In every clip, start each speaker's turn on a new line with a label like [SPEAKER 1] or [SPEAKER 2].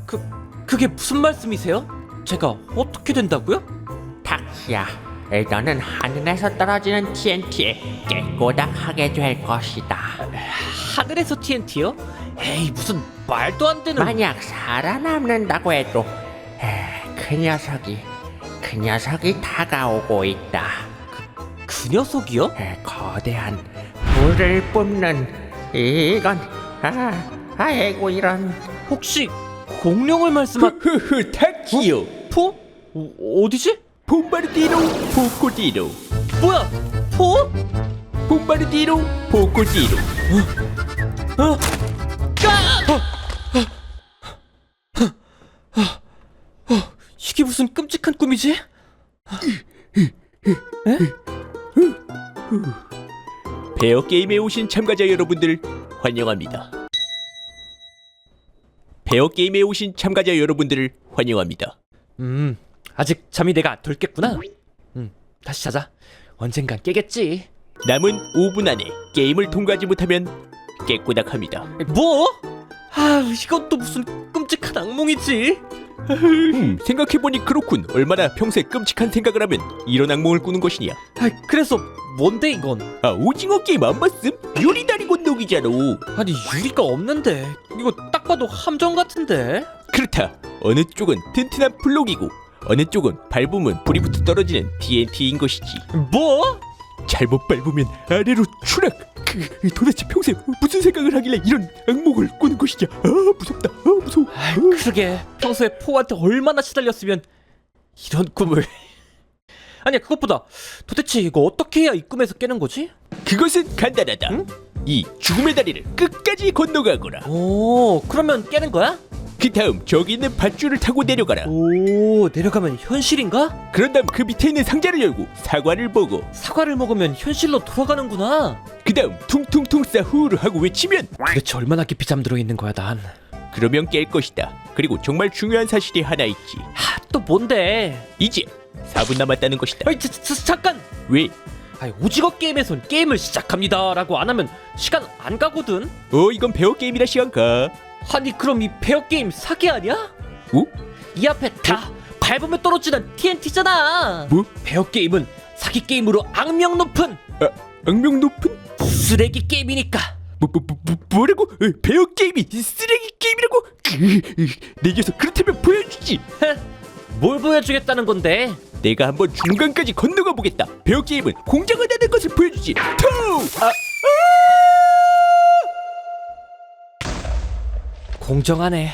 [SPEAKER 1] 그게 무슨 말씀이세요? 제가 어떻게 된다고요?
[SPEAKER 2] 탁시야, 너는 하늘에서 떨어지는 TNT에 깨꼬닥하게 될 것이다.
[SPEAKER 1] 하늘에서 TNT요? 에이, 무슨 말도 안 되는.
[SPEAKER 2] 만약 살아남는다고 해도 그 녀석이 다가오고 있다.
[SPEAKER 1] 그 녀석이요?
[SPEAKER 2] 거대한 불을 뿜는 이건 아이고 이런.
[SPEAKER 1] 혹시 공룡을 말씀하...
[SPEAKER 3] 탁시요.
[SPEAKER 1] 포? 어디지?
[SPEAKER 3] 봄바르디로 보코디로.
[SPEAKER 1] 뭐야? 포?
[SPEAKER 3] 봄바르디로 보코디로.
[SPEAKER 1] 이게 무슨 끔찍한 꿈이지?
[SPEAKER 3] 베어 게임에 오신 참가자 여러분들 환영합니다. 베어 게임에 오신 참가자 여러분들을 환영합니다.
[SPEAKER 1] 아직 잠이 내가 덜 깼구나. 다시 자자. 언젠간 깨겠지.
[SPEAKER 3] 남은 5분 안에 게임을 통과하지 못하면 깨꼬닥합니다.
[SPEAKER 1] 뭐? 이것도 무슨 끔찍한 악몽이지.
[SPEAKER 3] 생각해보니 그렇군. 얼마나 평소에 끔찍한 생각을 하면 이런 악몽을 꾸는 것이냐.
[SPEAKER 1] 그래서 뭔데 이건?
[SPEAKER 3] 오징어 게임 안 봤음? 요리다리 건너기잖아.
[SPEAKER 1] 아니, 유리가 없는데. 이거 딱 봐도 함정 같은데.
[SPEAKER 3] 그렇다. 어느 쪽은 튼튼한 블록이고 어느 쪽은 밟으면 불이 붙어 떨어지는 TNT인 것이지.
[SPEAKER 1] 뭐?
[SPEAKER 3] 잘못 밟으면 아래로 추락. 도대체 평소에 무슨 생각을 하길래 이런 악몽을 꾸는 것이냐. 무섭다. 무서워.
[SPEAKER 1] 그러게, 평소에 포한테 얼마나 시달렸으면 이런 꿈을. 아니야, 그것보다 도대체 이거 어떻게 해야 이 꿈에서 깨는 거지?
[SPEAKER 3] 그것은 간단하다. 이 죽음의 다리를 끝까지 건너가거라.
[SPEAKER 1] 오, 그러면 깨는 거야?
[SPEAKER 3] 그 다음 저기 있는 밧줄을 타고 내려가라.
[SPEAKER 1] 오, 내려가면 현실인가?
[SPEAKER 3] 그런 다음 그 밑에 있는 상자를 열고 사과를 먹어.
[SPEAKER 1] 사과를 먹으면 현실로 돌아가는구나.
[SPEAKER 3] 그 다음 퉁퉁퉁 싸후루 하고 외치면
[SPEAKER 1] 도대체 얼마나 깊이 잠들어 있는 거야, 난.
[SPEAKER 3] 그러면 깰 것이다. 그리고 정말 중요한 사실이 하나 있지.
[SPEAKER 1] 또 뭔데?
[SPEAKER 3] 이제 4분 남았다는 것이다.
[SPEAKER 1] 잠깐!
[SPEAKER 3] 왜?
[SPEAKER 1] 오징어 게임에선 게임을 시작합니다 라고 안 하면 시간 안 가거든?
[SPEAKER 3] 이건 베어 게임이라 시간 가.
[SPEAKER 1] 아니, 그럼 이 베어 게임 사기 아니야? 이 앞에 다 밟으면 떨어지는 TNT잖아.
[SPEAKER 3] 뭐?
[SPEAKER 1] 베어 게임은 사기 게임으로 악명 높은
[SPEAKER 3] 악명 높은?
[SPEAKER 1] 쓰레기 게임이니까.
[SPEAKER 3] 뭐라고? 베어 게임이 쓰레기 게임이라고? 내 녀석 그렇다면 보여주지.
[SPEAKER 1] 뭘 보여주겠다는 건데?
[SPEAKER 3] 내가 한번 중간까지 건너가 보겠다. 베어 게임은 공정하다는 것을 보여주지.
[SPEAKER 1] 공정하네.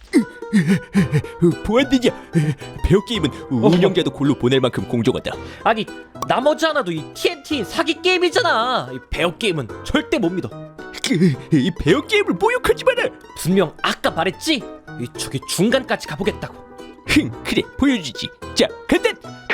[SPEAKER 3] 보안되냐? 베어 게임은 운영자도 골로 보낼 만큼 공정하다.
[SPEAKER 1] 아니, 나머지 하나도 이 TNT 사기 게임이잖아. 이 베어 게임은 절대 못 믿어.
[SPEAKER 3] 이 베어 게임을 모욕하지 마라.
[SPEAKER 1] 분명 아까 말했지? 저기 중간까지 가보겠다고.
[SPEAKER 3] 그래 보여주지. 자 간다.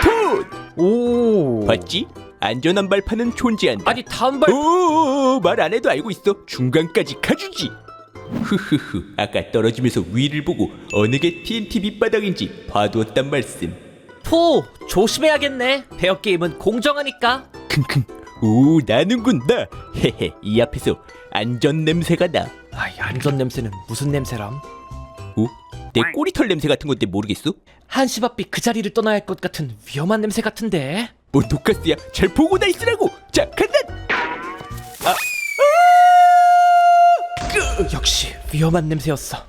[SPEAKER 1] 오,
[SPEAKER 3] 봤지? 안전한 발판은 존재한다.
[SPEAKER 1] 아니, 다음 발.
[SPEAKER 3] 말 안 해도 알고 있어. 중간까지 가주지. 흐흐흐. 아까 떨어지면서 위를 보고 어느 게 TNT 밑바닥인지 봐두었단 말씀.
[SPEAKER 1] 포, 조심해야겠네. 베어 게임은 공정하니까.
[SPEAKER 3] 킁킁. 나는군 나. 헤헤. 이 앞에서 안전 냄새가 나.
[SPEAKER 1] 이 안전 냄새는 무슨 냄새람?
[SPEAKER 3] 내 꼬리털 냄새 같은 건데 모르겠어?
[SPEAKER 1] 한시바삐 그 자리를 떠나야 할 것 같은 위험한 냄새 같은데.
[SPEAKER 3] 뭐 독가스야. 잘 보고 다 있으라고. 자 간다.
[SPEAKER 1] 역시 위험한 냄새였어.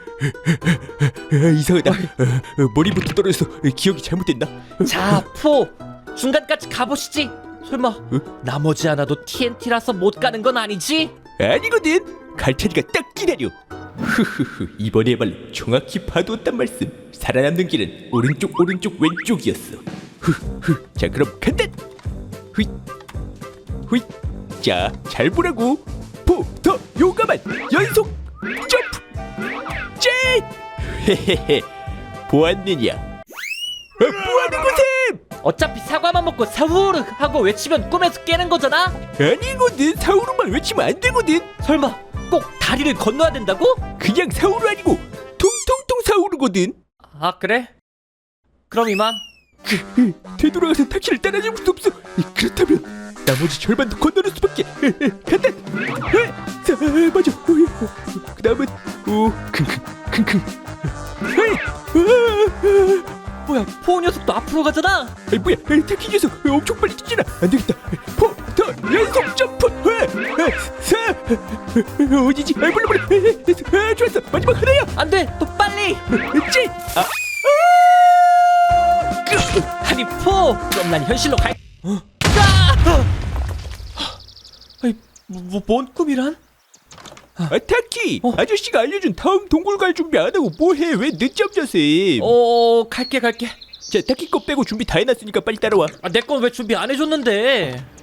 [SPEAKER 3] 이상하다. 머리부터 떨어져서 기억이 잘못됐나?
[SPEAKER 1] 자, 포, 중간까지 가보시지. 설마 나머지 하나도 TNT라서 못 가는 건 아니지?
[SPEAKER 3] 아니거든. 갈 차리가 딱 기다려. 흐흐흐. 이번에야말로 정확히 봐두었단 말씀. 살아남는 길은 오른쪽 왼쪽이었어. 흐흐. 자 그럼 간다. 휘 휘. 자 잘 보라고. 더 용감한 연속 점프. 짠. 헤헤헤. 보았느냐? 뭐하는 거셈?
[SPEAKER 1] 어차피 사과만 먹고 사우르 하고 외치면 꿈에서 깨는 거잖아.
[SPEAKER 3] 아니거든. 사우루만 외치면 안 되거든.
[SPEAKER 1] 설마 꼭 다리를 건너야 된다고?
[SPEAKER 3] 그냥 사우루 아니고 통통통 사우루거든.
[SPEAKER 1] 아, 그래? 그럼 이만.
[SPEAKER 3] 되돌아가서 타키를 따라잡을 수 없어. 그렇다면 나머지 절반도 건너는 수밖에. 간다. 맞아. 그 다음은 킁킁.
[SPEAKER 1] 뭐야, 포 녀석도 앞으로 가잖아.
[SPEAKER 3] 아이 뭐야, 타키 녀석 엄청 빨리 뛰잖아. 안 되겠다. 포더 연속 점프. 어디지? 몰라. 좋았어. 마지막 하나야.
[SPEAKER 1] 안 돼, 또 빨리.
[SPEAKER 3] 찌.
[SPEAKER 1] 하리포, 그럼 난 현실로 갈. 아이, 뭔 꿈이란?
[SPEAKER 3] 타키.
[SPEAKER 1] 어.
[SPEAKER 3] 아저씨가 알려준 다음 동굴 갈 준비 안 하고 뭐해? 왜 늦잠 자세?
[SPEAKER 1] 갈게.
[SPEAKER 3] 자, 타키 거 빼고 준비 다 해놨으니까 빨리 따라와.
[SPEAKER 1] 내 건 왜 준비 안 해줬는데?